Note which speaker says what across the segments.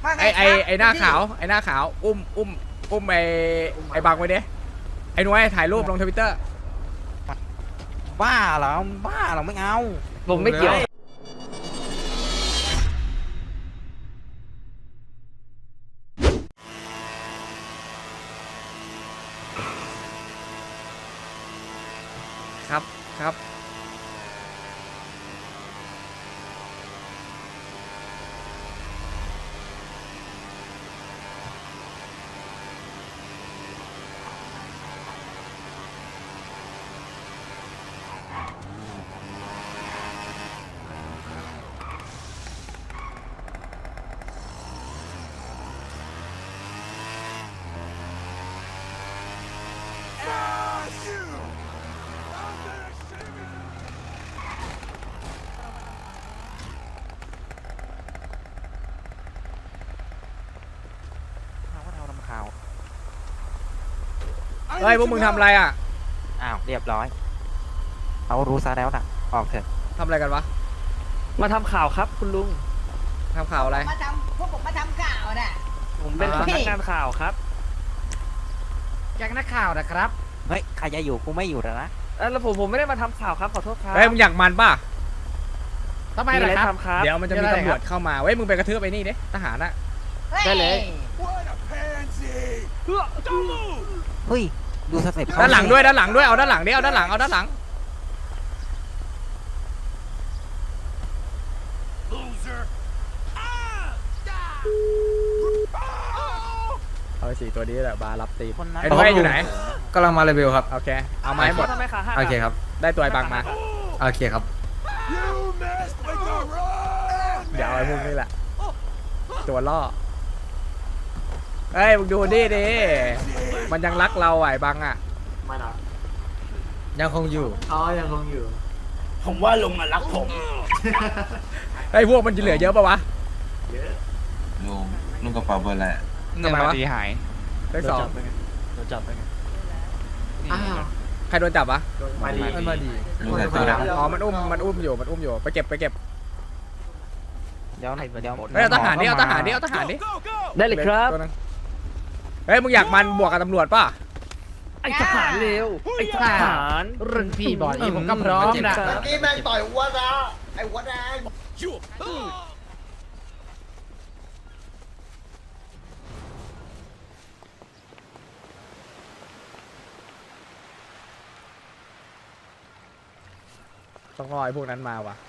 Speaker 1: ว่าไง
Speaker 2: ไอ้หน้าขาวไอ้หน้าขาวอุ้มไอ้บังไว้ดิไอ้หนุ่ยถ่ายรูปลงทวิตเตอร์
Speaker 3: บ้าเหรอบ้าเหรอไม่เอา
Speaker 4: ผมไม่เกี่ยว
Speaker 2: ครับครับเฮ้ยพวกมึงทำอะไรอ่ะ
Speaker 3: อ้าวเรียบร้อยเขารู้ซะแล้วนะออกเถอะ
Speaker 2: ทำอะไรกันวะ
Speaker 4: มาทำข่าวครับคุณลุง
Speaker 2: ทำข่าวอะไร
Speaker 1: พวกผมมาทำข่าวน่ะ
Speaker 4: ผมเป็นสำนักงานข่าวครับ
Speaker 2: แก๊งนักข่าวนะครับ
Speaker 3: เฮ้ยใครจะอยู่กูไม่อยู่แล้วนะ
Speaker 4: แล้วผมไม่ได้มาทำข่าวครับขอโทษครับ
Speaker 2: เฮ้ยมึงอยากมันป่ะ
Speaker 4: ทำไมล่ะครับครับ
Speaker 2: เดี๋ยวมันจะมีตำรวจเข้ามาเว้ยมึงไปกระทืบไอ้นี่ดิทหารอ่ะ
Speaker 4: ได้เลย
Speaker 3: เฮ้ยดูสเต็ป
Speaker 2: ด้านหลังด้วยด้านหลังด้วยเอาด้านหลังดิเอาด้านหลังเอาด้านหลังเอาสี่ตัวนี้แหละบาร์รับตีม
Speaker 3: คนนั้น
Speaker 2: ไอ้หนุ่ยอยู่ไหน
Speaker 5: กำลังมาเลเวลครับ
Speaker 2: โอเคเอามาให้หมด
Speaker 4: ทำไมขาหัก
Speaker 5: โอเคครับ
Speaker 2: ได้ตัวไอ้บังมา
Speaker 5: โอเคครับ
Speaker 2: เดี๋ยวเอาไอ้พวกนี้แหละตัวล่อเฮ้ยมึงดูดิมันยังรักเราไอ้บังอ่ะ
Speaker 6: ไม่นะ
Speaker 5: ยังคงอยู่
Speaker 6: อ๋อยังคงอยู่
Speaker 7: ผมว่าลุงอะรักผม
Speaker 2: ไอ้พวกมันจะเหลือเยอะปะวะ
Speaker 8: ลุงกระเป๋าเบอร์อะไร
Speaker 2: ทำไมวะเลขสอง
Speaker 4: โดนจับไปไง
Speaker 6: อ้าว
Speaker 2: ใครโดนจับวะ
Speaker 6: มาดี
Speaker 5: มันมาดี
Speaker 8: ลุงใส่ตัวด
Speaker 2: อ๋อมันอุ้มอยู่ไปเก็บ
Speaker 3: เดี๋ยว
Speaker 2: เฮ้ยเอาทหารดิเอาทหารดิเอาทหารดิ
Speaker 4: ได้เลยครับ
Speaker 2: ตัวนึงเฮ้ยมึงอยากมันบวกกับตำรวจป่ะ
Speaker 4: ไอ้ทหารเร็วไอ้ทหารรุ่นพี่บอยผมก็พร้อมนะ
Speaker 7: นี่แม่งต่อยอ้วนนะไอ้อ้วนแดง
Speaker 2: ต้องรอไอ้พวกนั้นมาว่ะ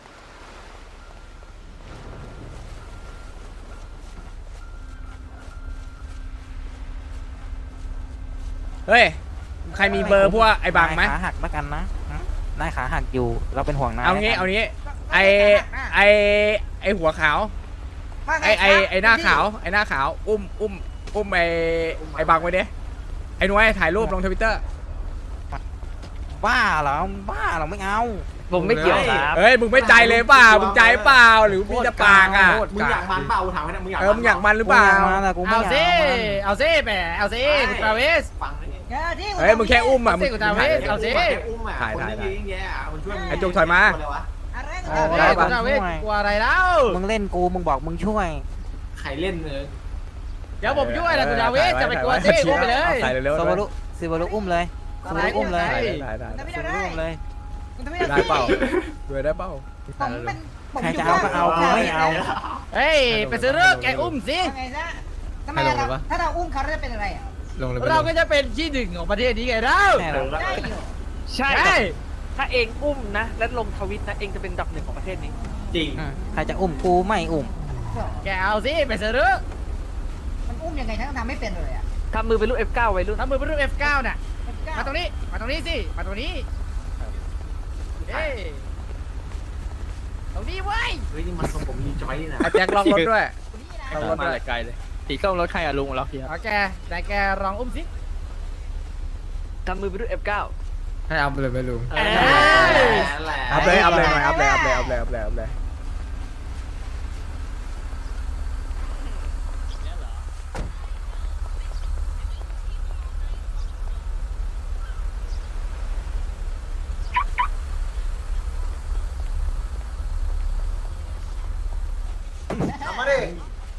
Speaker 2: เฮ้ยใครมีเบอร์พวกไอ้บังไหม
Speaker 3: ขาหักแล้วกันนะนายขาหักอยู่เราเป็นห่วงนาย
Speaker 2: เอางี้ไอ้หัวขาว
Speaker 1: ว่าไง
Speaker 2: ไอ้หน้าขาวไอ้หน้าขาวอุ้มไอ้บังไว้ดิไอ้หนุ่ยถ่ายรูปลงทวิตเตอร์
Speaker 3: บ้าเหรอบ้าเหรอไม่เอา
Speaker 4: ผมไม่เกี่ยวครับ
Speaker 2: เฮ้ยมึงไม่ใจเลยเปล่ามึงใจเปล่าหรือมีแต่ปากอ่ะ
Speaker 6: มึงอยากมันเปล่ากูถามให้นะมึงอยาก
Speaker 2: มึงอยากมันหรือเปล่า
Speaker 3: มาแต่กูไม่อยาก
Speaker 4: เอาซิแหมเอาซิคุณตราเวส
Speaker 6: ฟังนี่
Speaker 1: ที่
Speaker 2: เฮ้ยมึงแค่อุ้มอ่ะ
Speaker 4: เอาสิกูถามเว้ยเอาสิ
Speaker 6: อุ้มอ่ะคนไม่ดีอย่างเงี้ยมันช่วย
Speaker 2: ไอ้จุกถอยมา
Speaker 6: อะไรวะ
Speaker 1: อะไร
Speaker 2: ได้ปะ
Speaker 4: คุณตราเวสกลัวอะไรแล้ว
Speaker 3: มึงเล่นกูมึงบอกมึงช่วย
Speaker 6: ใครเล่นเนื้อ
Speaker 4: เดี๋ยวผมช่วยนะคุณตราเวสจะไปกลัวซิอุ้มไปเลย
Speaker 2: ถ่ายเร็วๆ
Speaker 3: ซิบารุอุ้มเลยซิบารุอุ้มเลย
Speaker 2: ได้
Speaker 3: ซิบารุอุ้มเลย
Speaker 2: ได้เปล่าด้วยได้เปล่า
Speaker 1: ผมเป็น
Speaker 3: ใครจะเอาก็เอากูไม่เอา
Speaker 4: เฮ้ยไปซื้อเรื่องแกอุ้มสิ
Speaker 1: ไงซะทำไมถ้าเราอุ้มเขาจะเป็นอะไรอ่ะ
Speaker 5: ลงเลย
Speaker 4: เราก็จะเป็นที่หนึ่งของประเทศนี้ไงเรา
Speaker 3: แน่นอน
Speaker 1: ได้อยู่
Speaker 4: ใช่ถ้าเองอุ้มนะแล้วลงทวิตนะเองจะเป็นอันดับหนึ่งของประเทศนี้
Speaker 6: จริง
Speaker 3: ใครจะอุ้มกูไม่อุ้ม
Speaker 4: แกเอาสิไปซื้อเรื่อง
Speaker 1: มันอุ้มยังไงฉันทำไม่เป็นเลยอ่ะ
Speaker 4: ทำมือเป็นรูป F9 ไว้รุ่นทำมือเป็นรูป F9 น่ะมาตรงนี้สิมาตรงนี้เฮ้ยตรงนี้เว้ย
Speaker 6: เฮ้ยนี่มันทรงผมยีจอยนี่นะ
Speaker 2: ไอ้แจ็คล็อกรถด้วย
Speaker 1: นี่นะ
Speaker 2: ล็อกรถด้วย
Speaker 4: ไกลเลยสีส้มรถใครอะลุงล็อกเฮียแกแต่แกลองอุ้มสิทำมือเป็นรูป F9
Speaker 5: ให้เอาไปเลยไปลุง
Speaker 4: เอ้ย
Speaker 2: อัพเลยหน่อยอัพเลย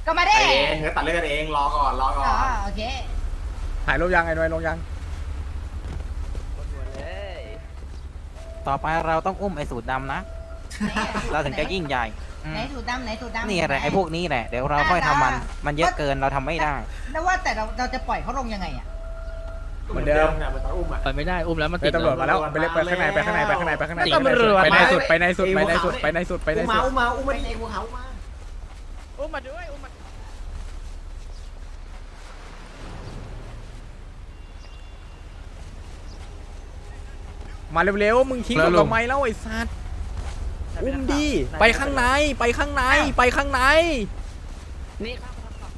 Speaker 1: ก็มาได้
Speaker 6: ไปเองเดี๋ยวตัดเรื่องกันเองรอก่อนรอก่อ
Speaker 1: อ๋อน โอเค
Speaker 2: ถ่ายรูปยังไอ้หน่วยลงยัง
Speaker 3: ต่อไปเราต้องอุ้มไอ้สูตรดำนะ เราถึงจะยิ่งใหญ่อืม
Speaker 1: ไหนสูตรดำไหนสูตรดำ
Speaker 3: นี่แหละไอ้พวกนี้แหละ เดี๋ยวเราค่อยทำมัน มันเยอะเกินเราทำไม่ได้
Speaker 1: แล้วว่าแต่เราจะปล่อยเขาลงยังไงอ่ะ
Speaker 2: เหมือนเดิม
Speaker 6: เนี่ยมันตอนอุ้มอ่ะ
Speaker 4: ไปไม่ได้อุ้มแล้วมัน
Speaker 2: เฮ้
Speaker 4: ติ
Speaker 2: ย
Speaker 4: ด
Speaker 2: ตำรวจมาแล้วไปเล็กไปข้างในไปข้างในไปข้างในไปข้างใน
Speaker 4: ตำรวจ
Speaker 2: ไปในสุดไปในสุดไปในสุดไปในสุดไปใน
Speaker 6: อุ้ม
Speaker 2: สุ
Speaker 6: มา
Speaker 2: ด
Speaker 6: อุ้มมาอุ้มมาดิกูเขาอุ้มมา
Speaker 4: อุ้มมาด้วยอุ้มมา
Speaker 2: มาเร็วๆมึงทิ้งผมทำไมแล้วไอ้สัตว์อุ้มดิไปข้างในไปข้างในไปข้างใน
Speaker 4: นี่ครับ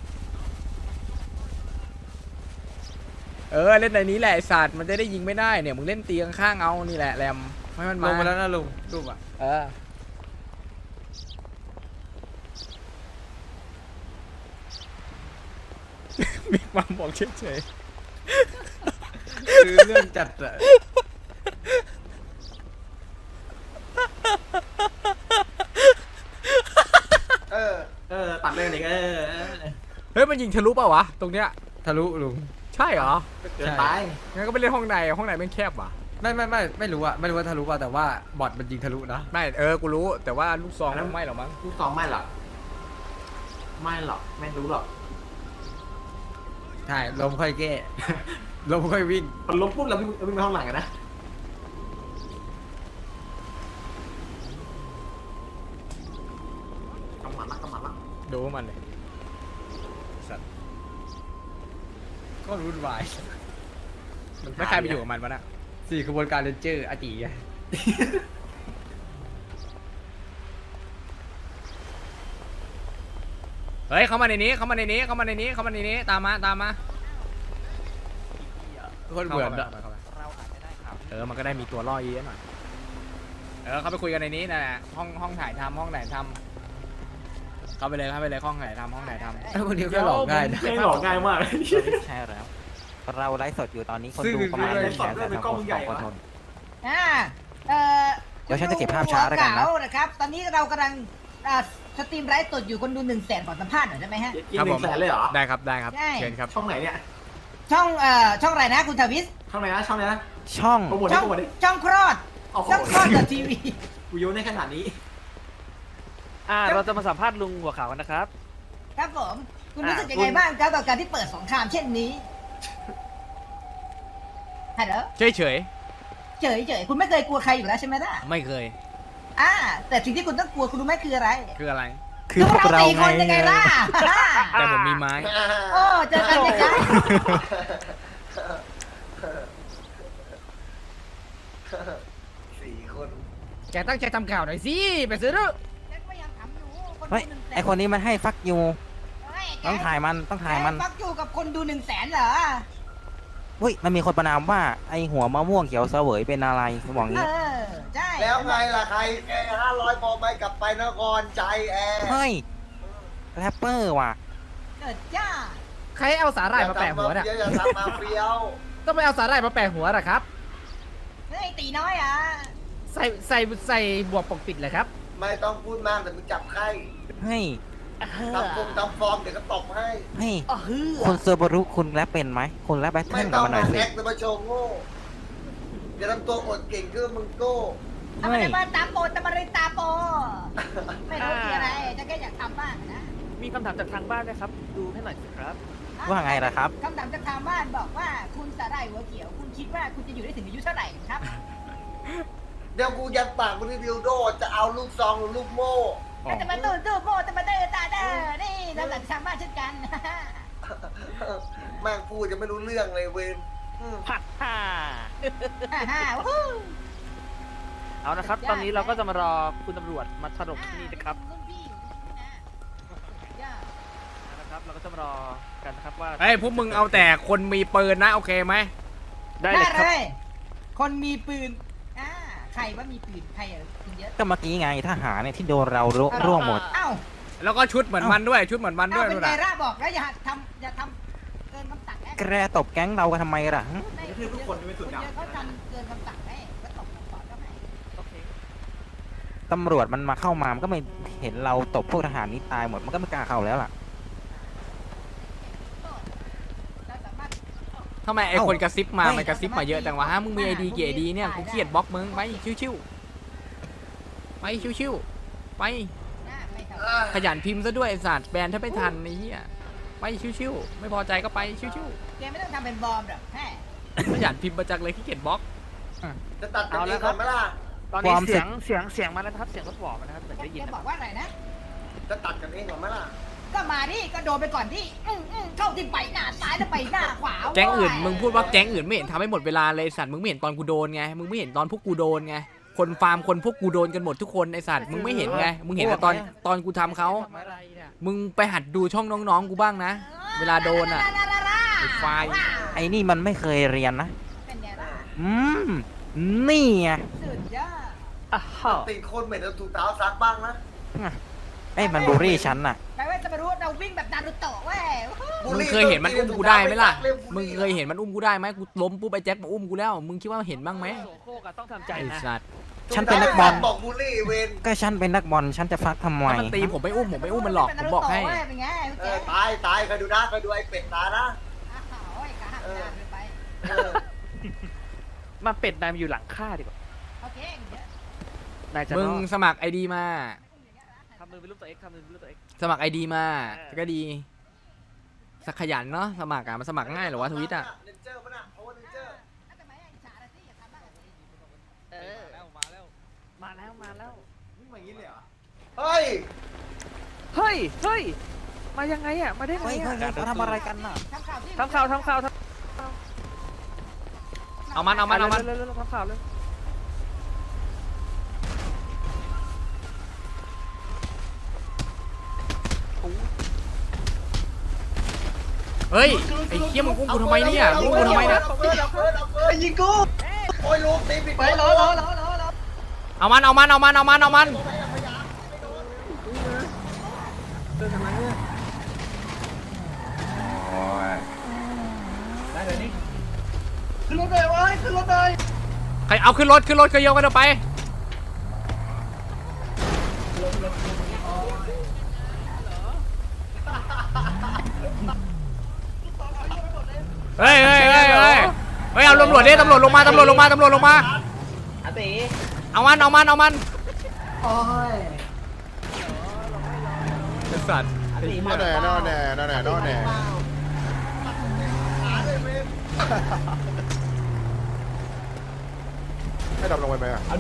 Speaker 2: เล่นในนี้แหละไอ้สัตว์มันจะได้ยิงไม่ได้เนี่ยมึงเล่นตีข้างๆเอานี่แหละแรมให้มัน
Speaker 5: ล
Speaker 2: มาง
Speaker 5: ไปแล้วนะลุงรูปอ่ะ
Speaker 2: มีความบอกเฉย
Speaker 5: คือเรื่องจัดอะ
Speaker 6: ตัดเรื่องนี้
Speaker 2: ๆเฮ้ยมันยิงทะลุเปล่าวะตรงเนี้ย
Speaker 5: ทะลุลุง
Speaker 2: ใช่เหรอ
Speaker 6: เกินไป
Speaker 2: งั้นก็ไปเล่นห้องในแม่งแคบว่ะ
Speaker 5: ไม่รู้อะไม่รู้ว่าทะลุป่ะแต่ว่าบอทมันยิงทะลุนะ
Speaker 2: ไม่กูรู้แต่ว่าลูกซองมันไม่หรอกมั้ง
Speaker 6: ลูกสองไม่หรอกไม่หรอกไม่รู้หรอก
Speaker 5: ใช่ลมค่อยแก้ ลมค่อยวิ่ง
Speaker 6: พอล้มปุ๊บเราวิ่งไปห้องหลังกันนะกำหมัดละกำหมัดละ
Speaker 2: ดูมันเลยสัตว์
Speaker 5: ก็รุ่นวาย
Speaker 2: ไม่ใครไปอยู่กับมันวะน่ะ
Speaker 5: 4 ขบวนการเรนเจอร์อาจีไง
Speaker 2: เฮ้ยเข้ามาในนี้ตามมา
Speaker 5: คนเหมือนอะ
Speaker 2: เข้าไป
Speaker 3: เราอาจจะได้ข่าว
Speaker 2: มันก็ได้มีตัวล่อเยอะหน่อยเข้าไปคุยกันในนี้นะห้องถ่ายทำห้องไหนทำเข้าไปเลยห้องไหนทำ
Speaker 5: ไอ้พวกนี้ก็หลอกง่ายนะ
Speaker 6: ไม่หลอกง่ายมาก
Speaker 3: ใช่แล้ว เราไลฟ์สดอยู่ตอนนี้คน
Speaker 5: ซึ่ง
Speaker 3: ดูประมาณ
Speaker 6: ไล
Speaker 3: 1
Speaker 6: ฟ์สดด้วยเป็นกล้องใหญ่
Speaker 3: 100,000
Speaker 6: วะ
Speaker 3: คนเดี๋ยวฉันจะเก็บภาพช้าแล้วกันนะ
Speaker 1: หัวเก๋านะครับ ตอนนี้เรากำลังสตรีมไลฟ์สดอยู่คนดู100,000ขอสัมภาษณ์หน่อยได้ไหมฮะ
Speaker 6: กิน100,000เลยเหรอ
Speaker 2: ได้ครับ
Speaker 1: ใช่
Speaker 2: เชิญครับ
Speaker 6: ช่องไหนเนี่ย
Speaker 1: ช่องอะไรนะคุณทวิส
Speaker 6: ช่องไหนนะช่องไหนนะ
Speaker 3: ช่อง
Speaker 6: โปรโมท
Speaker 1: ช่
Speaker 6: ดิ
Speaker 1: อง
Speaker 6: โปรโมทดิ
Speaker 1: ช่องคลอด
Speaker 6: โอ้โห
Speaker 1: ช่องคลอดทีวี
Speaker 6: กูโยนได้ขนาดนี้
Speaker 4: เราจะมาสัมภาษณ์ลุงหัวขาวกันนะครับ
Speaker 1: ครับผม คุณรู้สึกยังไงบ้างครับกับการที่เปิดสงครามเช่นนี้ฮัลโหล
Speaker 2: เฉย
Speaker 1: เฉยคุณไม่เคยกลัวใครอยู่แล้วใช่ไหมล่ะ
Speaker 2: ไม่เคย
Speaker 1: แต่สิ่งที่คุณต้องกลัวคุณรู้ไหมคืออะไร
Speaker 2: คืออะไร
Speaker 3: คือพวกเรา
Speaker 1: สี่
Speaker 3: ไง
Speaker 1: คนยังไงล่ะ
Speaker 2: แต่ผมมีไม้
Speaker 1: โอ้เจอกันยังไง
Speaker 7: 4 คน
Speaker 4: แกตั้งใจทำข่าวหน่อยสิไปซื้อด้วย
Speaker 1: ฉันก็ยังถามอยู่คน
Speaker 3: เฮ้ย
Speaker 1: ดู100,000
Speaker 3: ไอคนนี้มันให้ฟักยู
Speaker 1: เฮ้ย
Speaker 3: ต้องถ่ายมัน
Speaker 1: ฟักอยู่กับคนดู100,000เหรอ
Speaker 3: อุ้ยมันมีคนประนามว่าไอหัวมะม่วงเขียวเสวยเป็นอะไรบอกงี้
Speaker 1: ใช่
Speaker 7: แล้วไงล่ะใครแอร์500 พอไปกลับไปนครใจแอร์
Speaker 3: เฮ้ยแรปเปอร์ว่ะ
Speaker 1: เกิดจ้า
Speaker 4: ใครเอาสาหร่ายมาแปะหัวน่ะ
Speaker 7: อย่าทำมาเฟี้ยว
Speaker 4: ต้องไปเอาสาหร่ายมาแปะหัวน่ะครับ
Speaker 1: เฮ้ยตีน้อยอ่ะ
Speaker 4: ใส่บวกปกปิดเลยครับ
Speaker 7: ไม่ต้องพูดมากแต่มึงจับไข้
Speaker 3: เฮ้ย
Speaker 7: ทำฟอร์มเดี๋ยวก็ตบให้
Speaker 3: เฮ้ยคุณเซอร์บารุคุณแรปเป็นไหมคุณแรปแบทเทิ
Speaker 7: ไม่
Speaker 3: ล
Speaker 7: ต้
Speaker 3: กั
Speaker 7: อบ ง
Speaker 3: มันหน่
Speaker 7: มา
Speaker 3: อยสิ
Speaker 7: แอคแต่มาโชว์โง่อย่าทำตัวอดเก่งคือมึงโก้
Speaker 1: ทำไมมาตาโปตามาริตาโป ไม่รู้คืออะไรจะแค่อยากทำบ้างนะ
Speaker 4: มีคำถามจากทางบ้านนะครับ ดูให้หน่อยสิครับ
Speaker 3: ว่าไงล่ะครับ
Speaker 1: คำถามจากทางบ้านบอกว่าคุณสาหร่ายหัวเขียว คุณคิดว่าคุณจะอยู่ได้ถึงอายุเท่าไหร่ครับ
Speaker 7: เดี๋ยวกูยัดปากมึงที่ดิวโดจะเอาลูกซองหรือลูกโม่
Speaker 1: แต่มาตู้โปตามาเตอร์ตาเดอร์นี่น้ำหลังทางบ้านเช่นกัน
Speaker 7: แม่งพูดจะไม่รู้เรื่องเลยเวนอืม
Speaker 1: วู้
Speaker 4: เอานะครับ ตอนนี้เราก็จะมารอคุณตำรวจมาถล่มที่นี่นะครับ
Speaker 1: รุ่นพี่อยู่ที่นี่นะ
Speaker 4: นะครับ เราก็จะมารอกันนะครับว่า
Speaker 2: เฮ้ยพวกมึงเอาแต่คนมีปืนนะโอเคไหม
Speaker 4: ได้เลยครับ
Speaker 1: คนมีปืนใครว่ามีปืนใครอ่ะปืนเยอะ
Speaker 3: ก็เมื่อกี้ไงทหารเนี่ยที่โดนเราร่วงหมด
Speaker 1: เอ้า
Speaker 2: แล้วก็ชุดเหมือนมันด้วยชุดเหมือนมันด้วย
Speaker 1: เป็น
Speaker 2: นู่น
Speaker 1: ไง
Speaker 2: น่ะ
Speaker 1: ร่าบอกแล้วอย่าทำเกินคำสั่ง
Speaker 3: แกตบแก๊งเรากันทำไมล่ะ
Speaker 6: ทุกคนไม่สุด
Speaker 1: เย
Speaker 6: ยอด
Speaker 1: อะเขาทำเกินคำสั่งให้ก็ตบคำสอนก็ให้
Speaker 4: โอเค
Speaker 3: ตำรวจมันมาเข้ามามันก็ไม่เห็นเราตบพวกทหารนี้ตายหมดมันก็ไม่กล้าเข้าแล้วล่ะ
Speaker 2: ทำไมไอ้คนกระซิบมามันกระซิบมาเยอะจังวะฮะมึงมีไอดีกี่ไอดีเนี่ยกูเกลียดบล็อกมึงไปชิวๆไปชิวๆไป
Speaker 1: หน้าไม่เท่า
Speaker 2: ขยันพิมพ์ซะด้วยไอ้สัตว์แบนถ้าไม่ทันไอ้เหี้ยไปชิวๆไม่พอใจก็ไปชิว
Speaker 1: แกไม่ต้องทำเป็นบอมหรอกแค่
Speaker 2: ๆขยันพิมพ์มาจังเลยขี้เกียจบล็อก
Speaker 7: จะตัดกันเองก่อนไหมล่ะ
Speaker 4: ตอนนี้เสียงมาแล้วนะครับเสียงรถบอกนะครับเหมือนได้ยิน
Speaker 1: แก
Speaker 4: นะ
Speaker 1: บอกว่าอะไรนะ
Speaker 7: จะตัดกันเองก่อนไหมล่ะ
Speaker 1: ก็มาดิก็โดนไปก่อนที่เข้าที่ไปหน้าซ้ายแล้วไปหน้าขวา
Speaker 2: แก๊งอื่นมึงพูดว่าแก๊งอื่นไม่เห็นทำให้หมดเวลาเลยสัตว์มึงไม่เห็นตอนกูโดนไงมึงไม่เห็นตอนพวกกูโดนไงคนฟาร์มคนพวกกูโดนกันหมดทุกคนไอสัตว์มึงไม่เห็นไงมึงเห็นแต่ตอนกูทำเขา
Speaker 4: อะไรเนี่ย
Speaker 2: มึงไปหัดดูช่องน้องๆกูบ้างนะ เวลาโดนอ่ะ ไอ้ไฟ
Speaker 3: ไอ้นี่มันไม่เคยเรียนนะ
Speaker 1: เป็นไงล่ะ
Speaker 3: นี่ไง
Speaker 1: สุดยอด
Speaker 7: ติดคนเหม็นเอาถุงเท้าซักบ้างนะ
Speaker 3: ไอ้ยมันบูลลี่ฉันน่ะ
Speaker 1: แปลว่าจะมารู้ว่าเราวิ่งแบบนารูโตะเว้ย
Speaker 2: มึงเคยเห็นมันอุ้มกูได้ไหมล่ะมึงเคยเห็นมันอุ้มกูได้ไหมกูล้มปุ๊บไอ้แจ็คมาอุ้มกูแล้วมึงคิดว่าเห็นบ้างไหม
Speaker 4: โสโครกอะต้องทำใจ
Speaker 2: ไอ้
Speaker 4: นะ
Speaker 2: สัตว์
Speaker 3: ฉันเป็นนักบอล
Speaker 7: บอกบูลลี่เวน
Speaker 3: ก็ฉันเป็นนักบอลฉันจะฟักทำไม
Speaker 2: ถ้ามันตีผมไม่อุ้มมันหลอกผมบอกให้
Speaker 1: เป็นไง
Speaker 7: ตายเคยดูนะเคยดูไอ้เป็ดตายนะ
Speaker 1: โอ้ยกระหักงานไป
Speaker 7: เออ
Speaker 4: มาเป็ดนายมาอยู่หลังข้าดีกว่า
Speaker 1: โอเคเดี๋ยวน
Speaker 4: ายจะ
Speaker 2: มึง
Speaker 4: รอด
Speaker 2: สมัครไอดีมา
Speaker 4: ทำมือเป็นรูปตัวเอ็กทำมือเป็นรูปตัวเอ็ก
Speaker 2: สมัครไอดีมาก็ดีสักขยันเนาะสมัครอะมันสมัครง่ายเหรอวะทวิตอะ
Speaker 7: เนเจอร์ป่ะน่ะโอ้เนเจอร์
Speaker 1: ทำไมอิจฉาละสิอย่าทำบ้างสิ
Speaker 4: มาแล้ว
Speaker 7: นี่มาอย่างนี้เลยเหรอเฮ้ย
Speaker 4: เฮ้ยมายังไงอะมาได้ไง
Speaker 3: เฮ้ย
Speaker 4: อะ
Speaker 3: เขาทำอะไรกันน่ะ
Speaker 1: ทำข่าวที่
Speaker 4: ทำข่าว
Speaker 2: เอามัน
Speaker 4: เร็วทำข่าวเลย
Speaker 2: เฮ้ยไอ้เคี้ยมึงอุ้มกูทำไมเนี่ยมึงอุ้มกูทำไมเนี่ย
Speaker 7: เอาเปิดยิงกูโอ้ยลูกตีปิดไปรอ
Speaker 2: เอามัน
Speaker 7: ขึ้นรถเลยเว้ยขึ้นรถเลย
Speaker 2: ใครเอาขึ้นรถก็โยกกันเอาไปเฮ้ยเอาตำรวจดิตำรวจลงมาเอามัน
Speaker 7: โอ้ย
Speaker 2: ไอ้สัตว์
Speaker 8: นอนแน่
Speaker 7: หาเลยเว้ย
Speaker 8: ให้ดำลงไปไหมอ่ะ
Speaker 7: เอา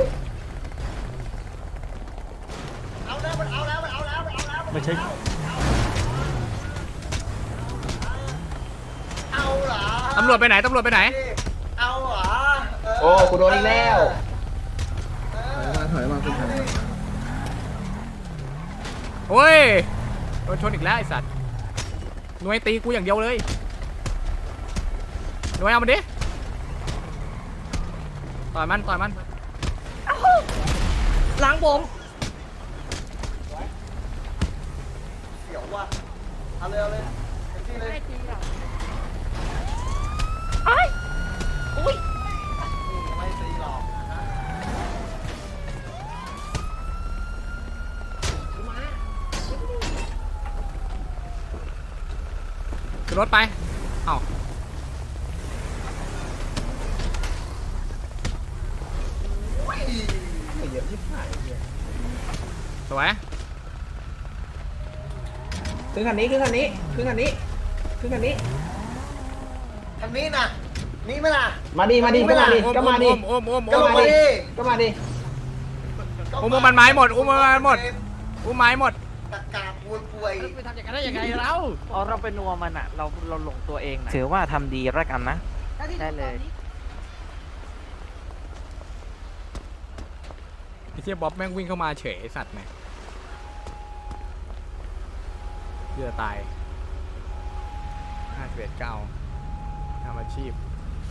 Speaker 7: แล้วมันเอาแล้ว
Speaker 3: ไม่ใช่
Speaker 7: เอาเหรอ
Speaker 2: ตำรวจไปไหน
Speaker 7: เอาเหรอ
Speaker 6: โอ้กูโดนอีกแล้ว
Speaker 7: ถอยมาคุณถอยมา
Speaker 2: โอ้ยโดนชนอีกแล้วไอ้สัตว์หน่วยตีกูอย่างเดียวเลยหน่วยเอามันดิต่อยมันล้างผม
Speaker 7: เสียวว่ะเอาเลยเต็มที่เลยไม่ตีหรอก
Speaker 2: ขึ้นรถไปเอ้าสวย
Speaker 6: ขึ้นคันนี้
Speaker 7: คันนี้นะนี่ไหมล่ะ
Speaker 6: มาดิก็มาดิ
Speaker 2: ก็มาดิ อุ้มมันไม้หมดอุ้มไม้หมด
Speaker 7: ตะกาป่วย
Speaker 4: ไปทำอย่างนั้นได้ยังไงเราอ๋อเราเป็นนัวมันอะเราหลงตัวเองนะ
Speaker 3: ถือว่าทำดีแล้วกันนะ
Speaker 4: ได้เลย
Speaker 2: ไอ้เทียบ๊อบแม่งวิ่งเข้ามาเฉยไอ้สัตว์เนี่ยเพื่อตาย51 9ทำอาชีพ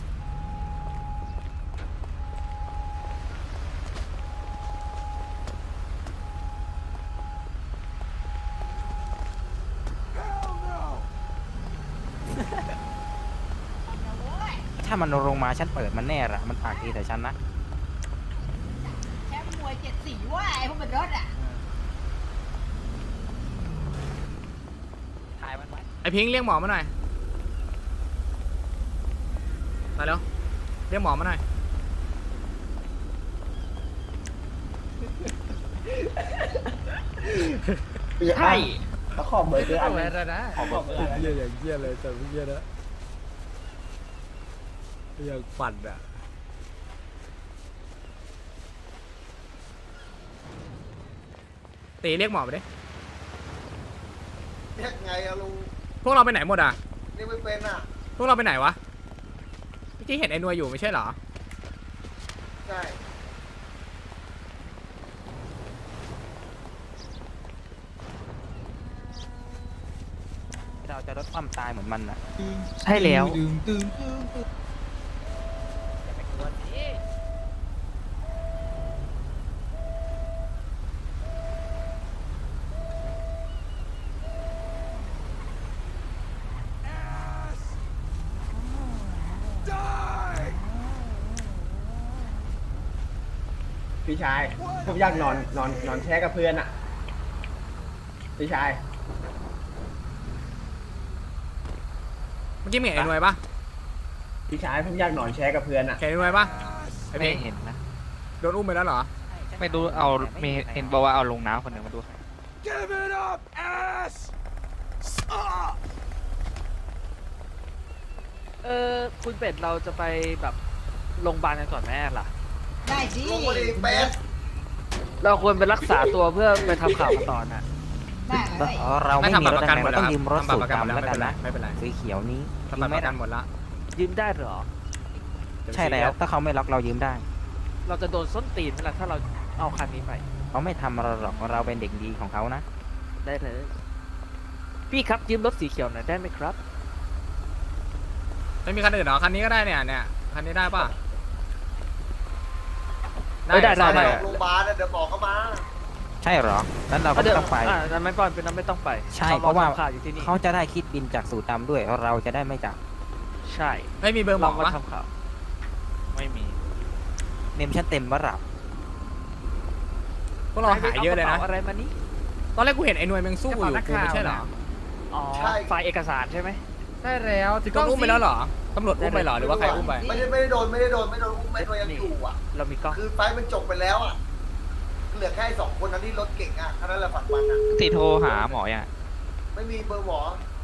Speaker 3: ถ้ามันลงมาฉันเปิดมันแน่ละมันปากดีแต่ฉันนะ
Speaker 1: แชมป์มวย7 สีว่าไอ้พวกมันรถอ่ะ
Speaker 4: ถ่ายมันไว้
Speaker 2: ไอ้พิงค์เรียกหมอมาหน่อยมาแล้วเรียกหมอมาหน่อย
Speaker 4: ใช่
Speaker 6: แล้วขอเบอร์เกอร์อัน
Speaker 4: อะไร
Speaker 6: นึง
Speaker 4: นะ
Speaker 6: ขอเบอร์เกอร์อัน
Speaker 2: เยี่
Speaker 6: นึ
Speaker 2: ย
Speaker 6: ง
Speaker 2: อย่างเยี่ยเลยแต่เยี่ยนะอย่างปั่นอะตีเรียกหมอไปดิ
Speaker 7: เรียกไงอะลุง
Speaker 2: พวกเราไปไหนหมดอ่ะ
Speaker 7: เรียกไม่เป็นอะ
Speaker 2: พวกเราไปไหนวะเมื่อกี้เห็นไอ้หนวยอยู่ไม่ใช่เหรอ
Speaker 7: ใช่
Speaker 3: เราจะลดความตายเหมือนมันนะ
Speaker 4: ใช่แล้ว
Speaker 6: พี่ชายผมอยากนอนแช่กับเพื่อนอ่ะพี่ชาย
Speaker 2: เมื่อกี้มึงเห็นไอ้หนวยปะ
Speaker 6: พี่ชายผมอยากนอนแช่กับเพื่อนอ่ะ
Speaker 2: เห็นไอ้หนวยปะไอ้เพ
Speaker 8: ไม่
Speaker 2: ง
Speaker 8: เห็นนะ
Speaker 2: โดนอุ้มไปแล้วเหรอ
Speaker 8: ไม่รู้เอามีเห็นบอกว่าเอาลงน้ำคนหนึ่งมาดู
Speaker 4: คุณเป็ดเราจะไปแบบโรงพยาบาลกันก่อนแม่ล่ะ
Speaker 1: ได้สิ
Speaker 7: ลุงมาดิเป็ด
Speaker 4: เราควรไปรักษาตัวเพื่อไปทำข่าวกันต่อน่ะ
Speaker 1: ได้เลย
Speaker 3: เราไม่มีรถ
Speaker 2: ทำ
Speaker 3: แรง
Speaker 2: หมด
Speaker 3: เราต้องยืมรถ
Speaker 2: ทำบั
Speaker 3: สู
Speaker 2: ตร
Speaker 3: ต
Speaker 2: ประ
Speaker 3: ร
Speaker 2: กันหมด
Speaker 3: ดำ
Speaker 2: แล้ว
Speaker 3: แล้วกันนะ
Speaker 2: ไม่เป็นไร
Speaker 3: สีเขียวนี้
Speaker 2: ทำบัตรประกันหมดละ
Speaker 4: ยืมได้เหรอ
Speaker 3: ใช่แล้วถ้าเขาไม่ล็อกเรายืมได้
Speaker 4: เราจะโดนส้นตีนไหมล่ะถ้าเราเอาคันนี้ไป
Speaker 3: เขาไม่ทำเราหรอกเราเป็นเด็กดีของเขานะ
Speaker 4: ได้เลย พี่ครับยืมรถสีเขียวหน่อยได้ไหมครับ
Speaker 2: ไม่มีคันอื่นเหรอคันนี้ก็ได้เนี่ยคันนี้ได้ปะ
Speaker 4: ได้
Speaker 7: ไปโรงพยาบาลนะเดี๋ยวบอกเขามา
Speaker 3: ใช่เหรอนั้นเราก็ไม่ต้องไป
Speaker 4: นั้นไม่ต้องเป็นนั้นไม่ต้องไป
Speaker 3: ใช่เพราะว่า
Speaker 4: ทำข่าวอยู่ที่นี่
Speaker 3: เขาจะได้คิดบินจากสูตรดำด้วยเราจะได้ไม่จับ
Speaker 4: ใช่
Speaker 2: ไม่มีเบอร์หม
Speaker 4: เรา
Speaker 2: อ
Speaker 4: มา
Speaker 2: ปะ
Speaker 4: ทำข่าว
Speaker 8: ไม่มี
Speaker 3: เมมชั้นเต็มว่าหลับ
Speaker 2: พวกเราหายเยอะเลยนะ
Speaker 4: าอะไรมานี่
Speaker 2: ตอนแรกกูเห็นไอ้หนวยมึงสู้อยู่กูไม่ใช่เหรอ
Speaker 4: อ๋อไฟล์เอกสารใช่ไหม
Speaker 5: ใช่แล้ว
Speaker 2: โดนอุ้มไปแล้วเหรอตำรวจอุ้มไปเหรอหรือว่าใครอุ้มไป
Speaker 7: ไม่ได้โดนอุ้มไม่โดนอุ้มไม่โดนยังอยู่อ่ะ
Speaker 4: เรามีกล้อง
Speaker 7: คือไฟมันจบไปแล้วอ่ะ เหลือแค่2 คนนั้นที่รถเก่งอ่ะแค่นั้นแหละฝันมันอ่ะ
Speaker 8: ติโทรหาหมออย่าง
Speaker 7: ไม่มีเบอร์หมอ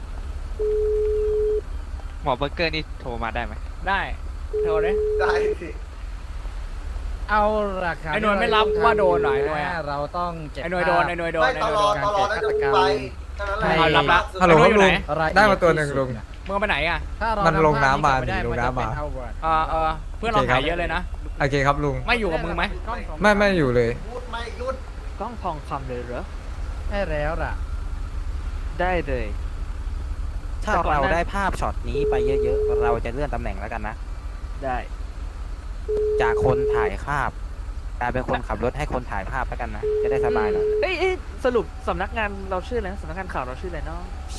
Speaker 8: หมอเบอร์เกอร์นี่โทรมาได้ไหม
Speaker 2: ได้โทรเลย
Speaker 7: ได้สิ
Speaker 5: เอาราคา
Speaker 2: ไอ้หน่วยไม่รับว่าโดนเหรอไอ้หน่วยอะ
Speaker 5: เราต้องเก็บ
Speaker 2: ไอ้หนวยโดนไอ้หนวยโดน
Speaker 7: ไม่
Speaker 2: ไอ้
Speaker 7: ต
Speaker 2: หน
Speaker 7: ล
Speaker 2: วย
Speaker 7: อ
Speaker 2: โด
Speaker 7: ด
Speaker 2: น
Speaker 7: ตลอดแล้วจะไปแค่นั้นแหละ
Speaker 2: เอารับละ
Speaker 5: ฮัลโหล
Speaker 2: ไอ้หนวยอยู่ไหน
Speaker 5: ได้มาตัวหนึ่งลุง
Speaker 2: มึงเอาไปไหนอ่ะ
Speaker 5: ถ้าเรา
Speaker 9: มันลงน้ำมา
Speaker 5: ไได้
Speaker 9: ดิลงน้ำมา
Speaker 5: จะเป็เอาเวิร์ด
Speaker 2: เพื่อนเราหายเยอะเลยนะ
Speaker 9: โอเคครับลุง
Speaker 2: ไม่อยู่กับมึงไหม
Speaker 5: กล้องของ
Speaker 9: ไม่อยู่เลย
Speaker 7: พูดไม่หยุด
Speaker 4: กล้องทองคำเลยเหรอ
Speaker 5: ใช่แล้วล่ะ
Speaker 4: ได้เลย
Speaker 3: ถ้าเราได้ภาพช็อตนี้ไปเยอะๆ เราจะเลื่อนตำแหน่งแล้วกันนะ
Speaker 4: ได้
Speaker 3: จากคนถ่ายภาพกลายเป็นคนขับรถให้คนถ่ายภาพแล้วกันนะ จะได้สบายหน่อย
Speaker 4: เอ้ยสรุปสำนักงานเราชื่ออะไรนะสำนักงานข่าวเราชื่ออะไรเนาะ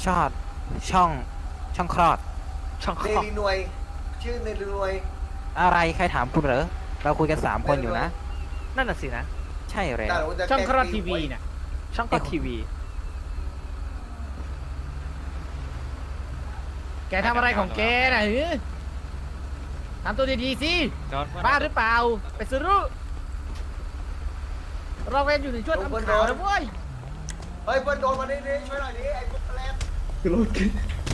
Speaker 3: ช่องคลอด
Speaker 4: ช่อง
Speaker 7: เน
Speaker 4: ข่าว
Speaker 7: รีหน่วย ชื่อเนรีหน่วย
Speaker 3: อะไรใครถามคุณเหรอ เราคุยกัน3 คนอยู่นะ
Speaker 4: นั่นน่ะสินะ
Speaker 3: ใช่แล้ว
Speaker 7: แต่ว่าจะ
Speaker 5: ช่องครอด
Speaker 7: แกล้
Speaker 5: ทีวี
Speaker 7: ตีหวย
Speaker 5: น่ะ
Speaker 4: ช่องข่าวทีวี
Speaker 5: แกทำอะไรของแกน่ะหือทำตัวดีๆสิ บ้าหรือเปล่า ไปซื้อรู้เราเวนอยู่ในช่วงทำข่าวนะเว้ย
Speaker 7: เฮ้ยเพื่อนโดนมาดิช่วยหน่อยดิไอ้พวกแกลบ
Speaker 6: คือรถกิน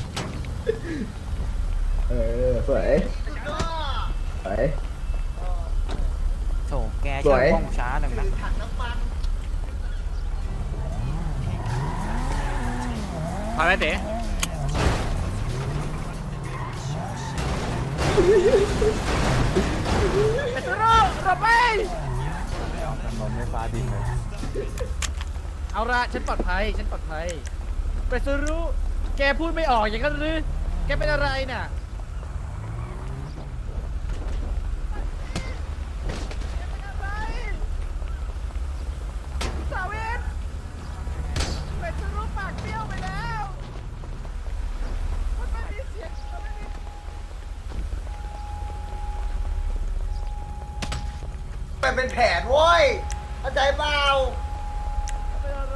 Speaker 6: สวยสวย
Speaker 3: โถแกช่วยว่องช้าหนึ่งนะ
Speaker 7: ถังน้ำมัน
Speaker 2: พาไปเต๋
Speaker 5: ไปซื้อรู้เราไปเอาละฉันปลอดภัย ฉันปลอดภัย ไปซื้อรู้ แกพูดไม่ออกอย่างนั้นหรือ แกเป็นอะไรน่ะ สาวินไปซื้อรู้ปากเบี้ยวไปแล้วมันไม่มีเสียงมันไม่มี
Speaker 7: เป็นแผนโว้ยเข้าใจเปล่า
Speaker 5: เป็นอะไร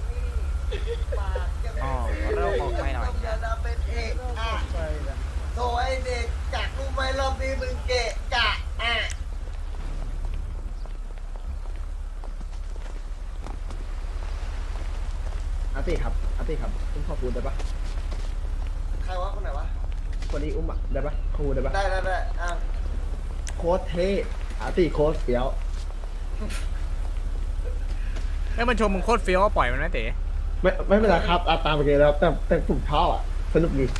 Speaker 7: ปากจะ
Speaker 3: อ๋อเราออกไปหน่อย
Speaker 7: อย่าเป็นเอกอ่ะ
Speaker 5: ไปละ
Speaker 7: โทร
Speaker 6: ติครับอาติครับอุ้มขอบคุณได้ปะ
Speaker 7: ใครวะคนไหนวะ
Speaker 6: คนนี้อุ้มอ่ะได้ปะขอบคุณได้ปะ
Speaker 7: ได้อ่ะ
Speaker 6: โค้ดเท่อาติโค้ดเฟี้ยว
Speaker 2: ให้มันชมมึงโคตรเฟี้ยวก็ปล่อยมันไหมเต๋
Speaker 6: ไม่เป็นไรครับตามไปเลยแล้วแต่ผมชอบอ่ะสนุกดี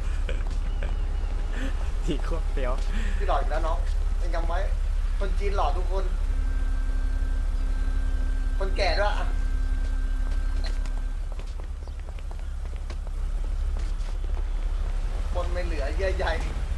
Speaker 2: ที่โคตรเฟี้ยว
Speaker 7: พี่หล่ออีกแล้วน้องยังจำไว้คนจีนหล่อทุกคน คนแก่ด้วยอ่ะบนไม่เหลือเยื่อใย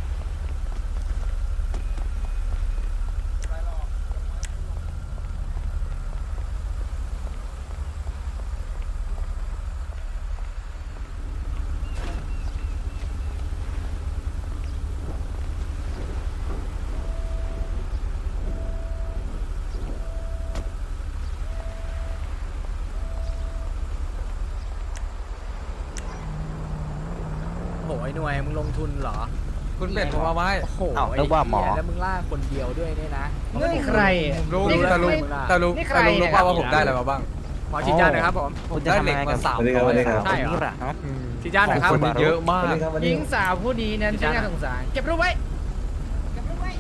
Speaker 2: โหไอ้หน่วยมึงลงทุนเหรอ
Speaker 3: คุณเป็ดผมเอาไว้
Speaker 2: โอ้โห
Speaker 3: เอ้านึกว่าหมอ
Speaker 2: ไเยแล้วมึงล่าคนเดียวด้วยเนี่ยนะ
Speaker 4: นี่ใคร
Speaker 3: รู้
Speaker 4: นี่
Speaker 3: แต่รู้ แต่รู้
Speaker 4: นี่ใคร
Speaker 3: แต่รู้
Speaker 4: เนี่ย
Speaker 3: ว่าผมได้อะไรมาบ้าง
Speaker 2: หมอฉีดยาหน่อยครับผม
Speaker 3: ผมได้เหล็กมา300
Speaker 2: ใช่เหรอ
Speaker 3: นี่แหละฮะ
Speaker 2: ฉีดยาหน่อยครับ
Speaker 3: คนเยอะมาก
Speaker 4: หญิงสาวผู้นี้นั้นช่างน่าสงสารเก็บรูปไว้
Speaker 1: เก็บรูปไว้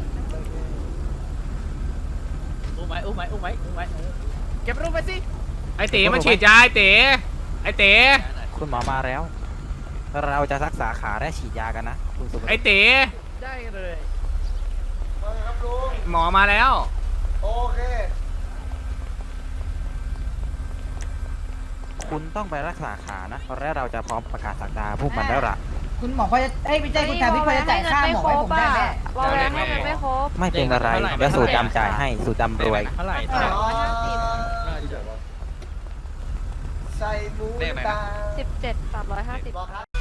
Speaker 4: อุ้มไว้เก็บรูปไว้สิ
Speaker 2: ไอ้เต๋มันฉีดยาไอ้เต๋ไอ้เต๋
Speaker 3: คุณหมอมาแล้ว เราจะรักษาขาและฉีดยากันนะคุณสุภ
Speaker 2: ไอ้เต๋
Speaker 4: ได้เลย
Speaker 7: มาครับลุง
Speaker 2: หมอมาแล้ว
Speaker 7: โอเค
Speaker 3: คุณต้องไปรักษาขานะและเราจะพร้อมประกาศสักดาพวกมันแล้วล่ะ
Speaker 1: คุณหมอพอจะไม่ใช่คุณชาพี่พอจะจ่ายค่าหมอให้ผมได้ไหม
Speaker 9: วอลแวร์ให้เงินไม่ครบ
Speaker 3: ไม่เป็นอะไรเดี๋ยวสูตรดำจ่ายให้สูตรดำรวย
Speaker 4: เท่าไหร่
Speaker 7: ใส่หมูตา
Speaker 9: 17 350
Speaker 7: บอกครับ